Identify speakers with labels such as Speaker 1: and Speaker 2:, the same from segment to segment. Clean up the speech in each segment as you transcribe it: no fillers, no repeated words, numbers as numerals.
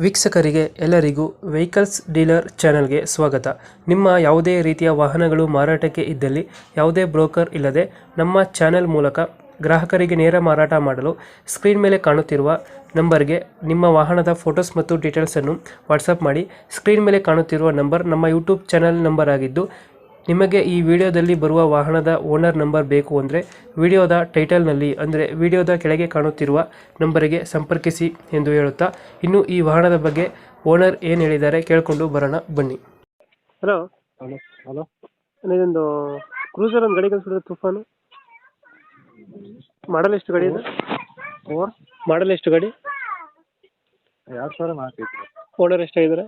Speaker 1: ವೀಕ್ಷಕರಿಗೆ ಎಲ್ಲರಿಗೂ vehicles dealer ಚಾನೆಲ್ಗೆ ಸ್ವಾಗತ. ನಿಮ್ಮ ಯಾವುದೇ ರೀತಿಯ ವಾಹನಗಳು ಮಾರಾಟಕ್ಕೆ ಇದ್ದಲ್ಲಿ ಯಾವುದೇ ಬ್ರೋಕರ್ ಇಲ್ಲದೆ ನಮ್ಮ ಚಾನೆಲ್ ಮೂಲಕ ಗ್ರಾಹಕರಿಗೆ ನೇರ ಮಾರಾಟ ಮಾಡಲು ಸ್ಕ್ರೀನ್ ಮೇಲೆ ಕಾಣುತ್ತಿರುವ ನಂಬರ್ಗೆ ನಿಮ್ಮ ವಾಹನದ ಫೋಟೋಸ್ ಮತ್ತು ಡೀಟೇಲ್ಸನ್ನು ವಾಟ್ಸಪ್ ಮಾಡಿ. ಸ್ಕ್ರೀನ್ ಮೇಲೆ ಕಾಣುತ್ತಿರುವ ನಂಬರ್ ನಮ್ಮ ಯೂಟ್ಯೂಬ್ ಚಾನೆಲ್ ನಂಬರ್ ಆಗಿದ್ದು, ನಿಮಗೆ ಈ ವಿಡಿಯೋದಲ್ಲಿ ಬರುವ ವಾಹನದ ಓನರ್ ನಂಬರ್ ಬೇಕು ಅಂದರೆ ವಿಡಿಯೋದ ಟೈಟಲ್ನಲ್ಲಿ ಅಂದರೆ ವಿಡಿಯೋದ ಕೆಳಗೆ ಕಾಣುತ್ತಿರುವ ನಂಬರಿಗೆ ಸಂಪರ್ಕಿಸಿ ಎಂದು ಹೇಳುತ್ತಾ, ಇನ್ನು ಈ ವಾಹನದ ಬಗ್ಗೆ ಓನರ್ ಏನು ಹೇಳಿದ್ದಾರೆ ಕೇಳಿಕೊಂಡು ಬರೋಣ ಬನ್ನಿ. ಹಲೋ
Speaker 2: ಹಲೋ ಹಲೋ
Speaker 1: ಇದೊಂದು ಕ್ರೂಸರ್ ಒಂದು ಗಾಡಿ ಕಳಿಸ್ಬಿಡಿದ್ರೆ ತುಫಾನು. ಮಾಡಲ್ ಎಷ್ಟು ಗಾಡಿ ಇದೆ? ಮಾಡಲ್ ಎಷ್ಟು ಗಾಡಿ?
Speaker 2: 2004 ಐತ್ರಿ.
Speaker 1: ಓನರ್ ಎಷ್ಟಾಗಿದ್ದಾರೆ?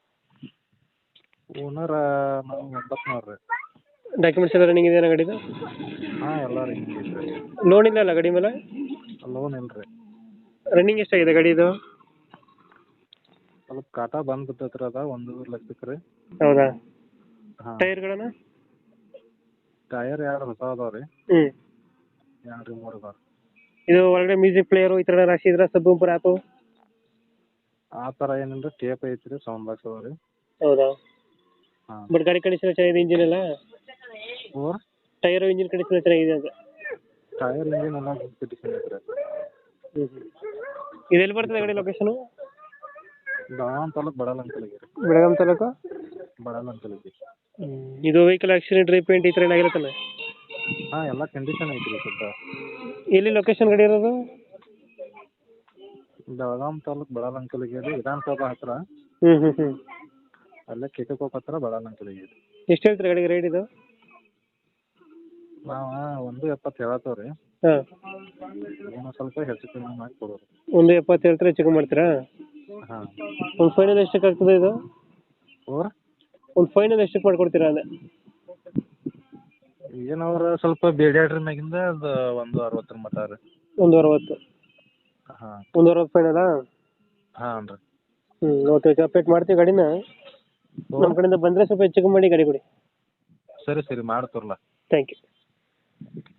Speaker 2: ಓನರ್ ನಾವು 89 ರೀ.
Speaker 1: ಡಾಕ್ಯುಮೆಂಟ್ಸ್ ಎಲ್ಲ ರನ್ನಿಂಗ್ ಇದೆಯಾ ಗಾಡಿದು?
Speaker 2: ಹಾಂ ಎಲ್ಲ ರನ್ನಿಂಗ್ ಐತ್ರಿ.
Speaker 1: ಲೋನ್ ಇಲ್ಲ ಅಲ್ಲ ಗಾಡಿ ಮೇಲೆ?
Speaker 2: ಲೋನ್ ಇಲ್ರಿ.
Speaker 1: ರನ್ನಿಂಗ್ ಎಷ್ಟಾಗಿದೆ ಗಾಡಿದು?
Speaker 2: ಸ್ವಲ್ಪ ಕಾಟ ಬಂದ್ ಬಿದ್ದೈತ್ರಿ, ಅದ 1 ಲಕ್ಷಕ್ಕೆ ರೀ.
Speaker 1: ಹೌದಾ?
Speaker 2: ಹಾಂ.
Speaker 1: ಟೈರ್ಗಳನ್ನ?
Speaker 2: ಟೈರ್ 2 ಹೊಸ ಅದಾವ ರೀ. 2 3 ಅದಾವ.
Speaker 1: ಇದು ಒಳಗಡೆ ಮ್ಯೂಸಿಕ್ ಪ್ಲೇಯರು ಈ ಥರ ರಾಶಿ ಇದ್ರೆ ಸಬ್ ಆ್ಯಪು?
Speaker 2: ಆ ಥರ ಏನಿಲ್ಲ, ಟೇಪ್ ಐತ್ರಿ, ಸೌಂಡ್ ಬಾಕ್ಸ್ ಅದಾವ ರೀ.
Speaker 1: ಹೌದಾ?
Speaker 2: ಹಾಂ.
Speaker 1: ಬಟ್ ಗಾಡಿ ಕಂಡೀಷನ್ ಚೆನ್ನಾಗಿದೆ, ಇಂಜಿನ್ ಎಲ್ಲ?
Speaker 2: ಓರ್
Speaker 1: ಟೈರು ಇಂಜಿನ್ ಕಂಡೀಷನ್ ಚೆನ್ನಾಗಿದೆ ಅಂತ?
Speaker 2: ಟೈರ್ ಇಂಜಿನ್ ಎಲ್ಲ ಕಂಡೀಷನ್ ಐತ್ರಿ.
Speaker 1: ಇದು ಎಲ್ಲಿ ಬರ್ತದೆ ಗಾಡಿ ಲೊಕೇಶನು?
Speaker 2: ಬೆಳಗಾಂ ತಾಲೂಕು ಬಡಲಂಕಲಿಗೆ ರೀ.
Speaker 1: ಬೆಳಗಾಂ ತಾಲೂಕು
Speaker 2: ಬಡಲಂಕಲಿಗೆ.
Speaker 1: ಇದು ವೆಹಿಕಲ್ ಆಕ್ಸಿಡೆಂಟ್ ರೀಪೇಂಟ್ ಈ ಥರ ಏನಾಗಿರುತ್ತಲ್ಲ?
Speaker 2: ಹಾಂ ಎಲ್ಲ ಕಂಡೀಷನ್ ಐತ್ರಿ ಸದ್ದ.
Speaker 1: ಎಲ್ಲಿ ಲೊಕೇಶನ್ ಗಾಡಿ ಇರೋದು?
Speaker 2: ಬೆಳಗಾಂ ತಾಲೂಕು ಬಡಲಂಕಲಿಗೆ ರೀ, ವಿಧಾನಸೌಧ ಹತ್ರ. ಅಲ್ಲೇ ಕಿಕಕೋಪ್ ಹತ್ರ ಬಡಲಂಕಲಿಗೆ ರೀ.
Speaker 1: ಎಷ್ಟು ಹೇಳ್ತೀರಿ ಗಾಡಿಗೆ ರೇಟ್ ಇದು?
Speaker 2: ನಾವು 1.70 ಹೇಳತ್ತೇವೆ ರೀ.
Speaker 1: ಹಾಂ.
Speaker 2: ಏನೋ ಸ್ವಲ್ಪ ಹೆಚ್ಚು ಕಮ್ಮಿ ಮಾಡಿ ಕೊಡೋದು.
Speaker 1: 1.70 ಹೇಳ್ತಾರೆ, ಹೆಚ್ಚು ಕಮ್ಮಿ ಮಾಡ್ತೀರಾ?
Speaker 2: ಹಾಂ.
Speaker 1: ಒಂದು ಫೈನಲ್ ಎಷ್ಟಕ್ಕೆ ಆಗ್ತದೆ ಇದು?
Speaker 2: ಓರ್
Speaker 1: ಒಂದು ಫೈನಲ್ ಎಷ್ಟಕ್ಕೆ ಮಾಡ್ಕೊಡ್ತೀರಾ ಅದೇ?
Speaker 2: ಏನವ್ರ ಸ್ವಲ್ಪ ಬೇಡ್ಯಾಡ್ರಿ ಮ್ಯಾಗಿಂದ ಅದು 1.60 ಮಟ ರೀ.
Speaker 1: 1.60.
Speaker 2: ಹಾಂ.
Speaker 1: 1.60 ಫೈನಲಾ?
Speaker 2: ಹಾಂ ರೀ.
Speaker 1: ಓಕೆ ಓಕೆ, ಅಪ್ಡೇಟ್ ಮಾಡ್ತೀವಿ ಗಾಡಿನ. ನಮ್ಮ ಕಡೆಯಿಂದ ಬಂದರೆ ಸ್ವಲ್ಪ ಹೆಚ್ಚು ಕಮ್ಮಿ ಮಾಡಿ ಗಾಡಿ ಕೊಡಿ.
Speaker 2: ಸರಿ ಸರಿ ಮಾಡ್ತೀರಲ್ಲ.
Speaker 1: Thank you.